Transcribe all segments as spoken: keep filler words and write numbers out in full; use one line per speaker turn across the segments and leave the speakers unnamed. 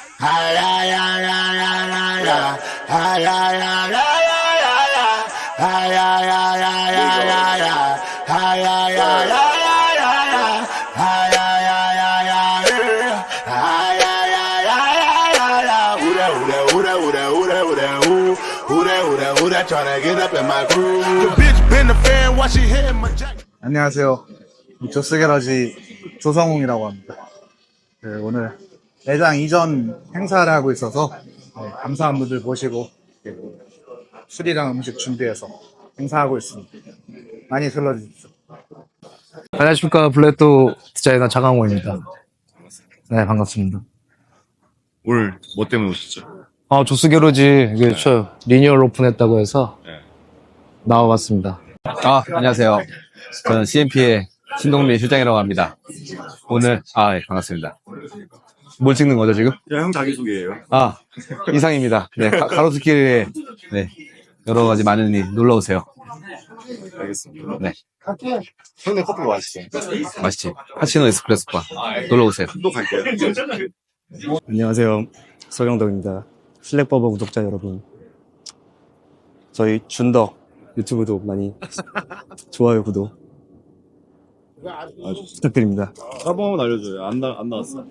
하야야야야야야 하야야야야야야 하야야야야야야 하야야야야야야 하야야야야야 하야야야야야야 우레 우레 우레 우레 우레 우레 우 우레 우레 우레 tryna get up in my groove. The bitch been a fan while she hitting my jacket.
안녕하세요. 조스게러지 조성웅이라고 합니다. 네, 오늘 매장 이전 행사를 하고 있어서 네, 감사한 분들 모시고 네, 술이랑 음식 준비해서 행사하고 있습니다. 많이 들러주십시오.
안녕하십니까. 블랙도 디자이너 장강호입니다. 네, 반갑습니다.
오늘 뭐 때문에 오셨죠?
아, 조스게러지 이게 저 리뉴얼 오픈했다고 해서
네.
나와봤습니다.
아, 안녕하세요. 저는 씨엠피의 신동민 실장이라고 합니다. 오늘, 아, 예, 반갑습니다. 뭘 찍는 거죠, 지금?
그냥 형 자기소개예요.
아, 이상입니다. 네, 가, 가로수길에, 네, 여러 가지 많은 일 놀러오세요.
알겠습니다.
네,
형네 커피 맛있어요.
맛있지? 카시노 에스프레소바. 놀러오세요.
또 갈게요.
안녕하세요. 서경덕입니다. 슬랙버버 구독자 여러분, 저희 준덕 유튜브도 많이 좋아요, 구독 부탁드립니다.
한 번만 알려줘요. 안, 나, 안 나왔어.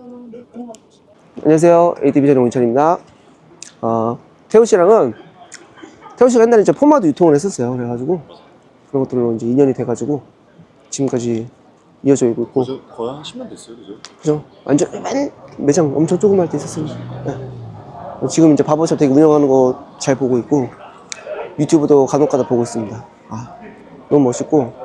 안녕하세요. 에이티비전 온천입니다. 어, 태우 씨랑은, 태우 씨가 옛날에 이제 포마드 유통을 했었어요. 그래가지고, 그런 것들로 이제 인연이 돼가지고, 지금까지 이어져 있고 있고.
거의, 거의 한 십 년 됐어요, 그죠?
그죠? 완전, 맨 매장 엄청 조그만 때 있었습니다. 네. 지금 이제 바버샵 되게 운영하는 거 잘 보고 있고, 유튜브도 간혹가다 보고 있습니다. 아, 너무 멋있고.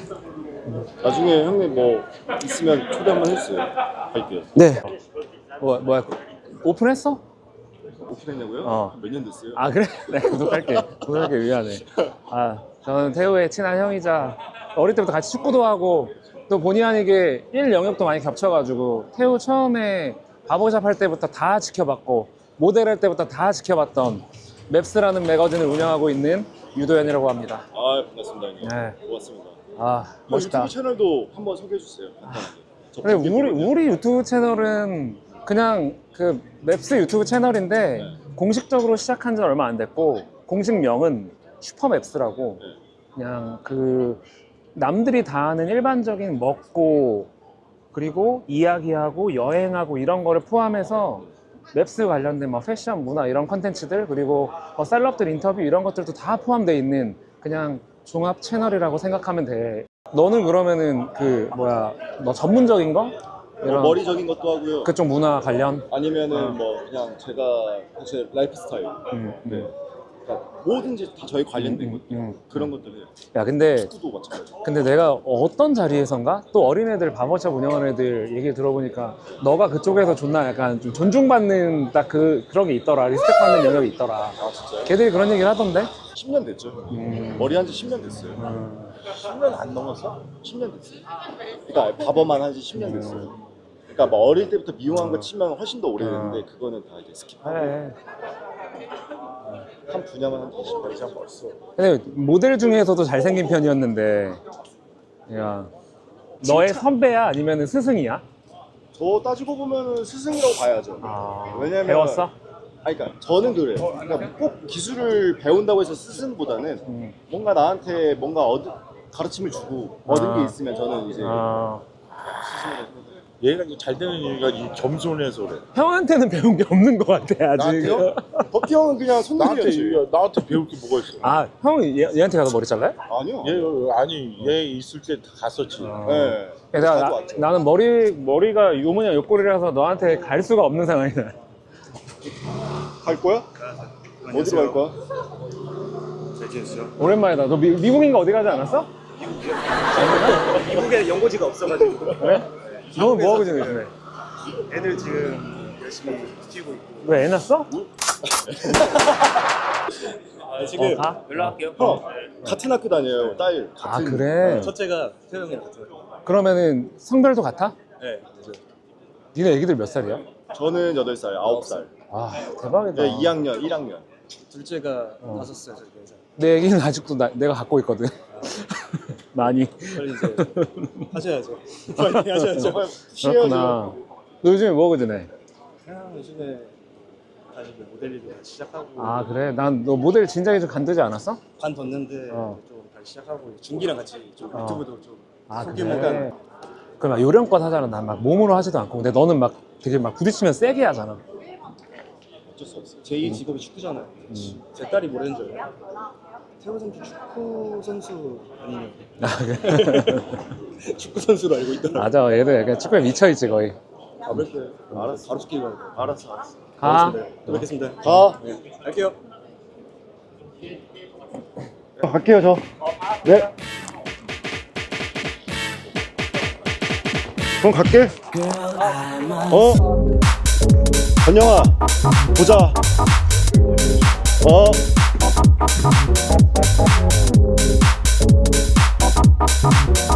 나중에 형님 뭐 있으면 초대 한번 해주세요. 갈게요.
네.
뭐, 뭐야, 오픈했어?
오픈했냐고요?
어.
몇 년 됐어요?
아, 그래? 네, 구독할게. 구독할게, 미안해. 아, 저는 태우의 친한 형이자 어릴 때부터 같이 축구도 하고 또 본의 아니게 일 영역도 많이 겹쳐가지고 태우 처음에 바버샵 할 때부터 다 지켜봤고 모델 할 때부터 다 지켜봤던 맵스라는 매거진을 운영하고 있는 유도현이라고 합니다.
아, 반갑습니다, 형님.
네.
고맙습니다.
아, 멋있다.
유튜브 채널도 한번 소개해주세요.
그래, 우리, 우리 유튜브 채널은 그냥 그 맵스 유튜브 채널인데
네.
공식적으로 시작한 지 얼마 안 됐고 공식명은 슈퍼맵스라고
네.
그냥 그 남들이 다 아는 일반적인 먹고 그리고 이야기하고 여행하고 이런 거를 포함해서 맵스 관련된 뭐 패션, 문화 이런 컨텐츠들 그리고 뭐 셀럽들 인터뷰 이런 것들도 다 포함되어 있는 그냥 종합 채널이라고 생각하면 돼. 너는 그러면은 그 뭐야 너 전문적인 거?
뭐 머리적인 것도 하고요.
그쪽 문화 관련?
아니면은
어.
뭐 그냥 제가 사실 라이프 스타일,
음,
네.
음.
그러니까 뭐든지 다 저희 관련된
음,
것
음, 음.
그런 것들 해요.
야 근데
축구도 마찬가지.
근데 내가 어떤 자리에선가 또 어린애들 바버샵 운영하는 애들 얘기 들어보니까 너가 그쪽에서 존나 약간 좀 존중받는 딱 그 그런 게 있더라. 리스펙 받는 영역이 있더라.
아 진짜요?
걔들이 그런 얘기를 하던데?
십 년 됐죠.
음.
머리 한 지 십 년 됐어요.
음.
십 년 안 넘었어? 십 년 됐어요. 그러니까 바버만 한 지 십 년 됐어요. 그러니까 뭐 어릴 때부터 미용한 거 치면 훨씬 더 오래됐는데 그거는 다 이제 스킵하고
그래.
한 분야만 한 이십 년 이상 벌써.
근데 모델 중에서도 잘생긴 편이었는데 야 너의 선배야 아니면 스승이야?
저 따지고 보면은 스승이라고 봐야죠.
아,
왜냐면
배웠어?
아니, 그러니까 저는 그래요. 그러니까 꼭 기술을 배운다고 해서 스승보다는
음.
뭔가 나한테 뭔가 얻 가르침을 주고 얻은
아.
게 있으면 저는 이제
아,
스승이라고 생각해요.
얘가 잘 되는 이유가 이 겸손해서 그래.
형한테는 배운 게 없는 것 같아 아직.
나한테요? 버티 형은 그냥
나한테
손님이었지.
나한테 배울 게 뭐가 있어?
아, 형 얘, 얘한테 가서 머리 잘라요?
아니요.
얘 아니 얘 있을 때 갔었지.
어.
네.
내가
자주
나,
왔죠.
나는 머리 머리가 요 모양 요 꼴이라서 너한테 갈 수가 없는 상황이야.
갈 거야? 어디로 갈 거야?
잘 지냈어요?
오랜만이다. 너 미, 미국인가 어디 가지 않았어?
미국에 연고지가 없어가지고
그래? 너는 뭐 하고 지내 요즘에?
애들 지금 열심히 키우고 있고.
왜 애 낳았어?
아, 지금
어, 가?
연락할게요.
형 같은 학교 다녀요. 딸
아
같은.
그래?
첫째가 태영이 같아요.
그러면은 성별도 같아?
네.
니네 애기들 몇 살이야?
저는 여덟 살, 아홉 살.
아 대박이다.
네, 이 학년, 일 학년.
둘째가
어.
다섯 살, 저기 네 살.
내 애기는 아직도 나, 내가 갖고 있거든. 많이.
빨리 이제 하셔야죠. 빨리 하셔야죠.
정말 쉬어야죠.
그렇구나. 너 요즘에 뭐 하고 지내?
그냥 요즘에 다시 뭐 모델 일도 다시 시작하고
아 그래? 난 너 모델 진작에 좀 간두지 않았어?
관뒀는데
어.
좀 다시 시작하고 준기랑 같이 좀
어.
유튜브도 좀
아
소규모
그래? 그럼 막 요령껏 하잖아. 난 막 몸으로 하지도 않고. 근데 너는 막 되게 막 부딪히면 세게 하잖아.
어쩔 수 없어요. 제 이 직업이 축구잖아요. 제 딸이 뭐라는 줄 알아요? 태호 선수 축구 선수 아니에요.
아 그래?
축구 선수로 알고 있더라고요.
맞아. 얘도 약간 축구에 미쳐있지 거의.
가볼게요. 알았어. 바로 축구 가야 돼. 알았어, 알았어.
가.
알겠습니다. 또 뵙겠습니다.
가.
네. 갈게요.
갈게요 저. 네. 그럼 갈게. 어? 건영아, 보자. 어?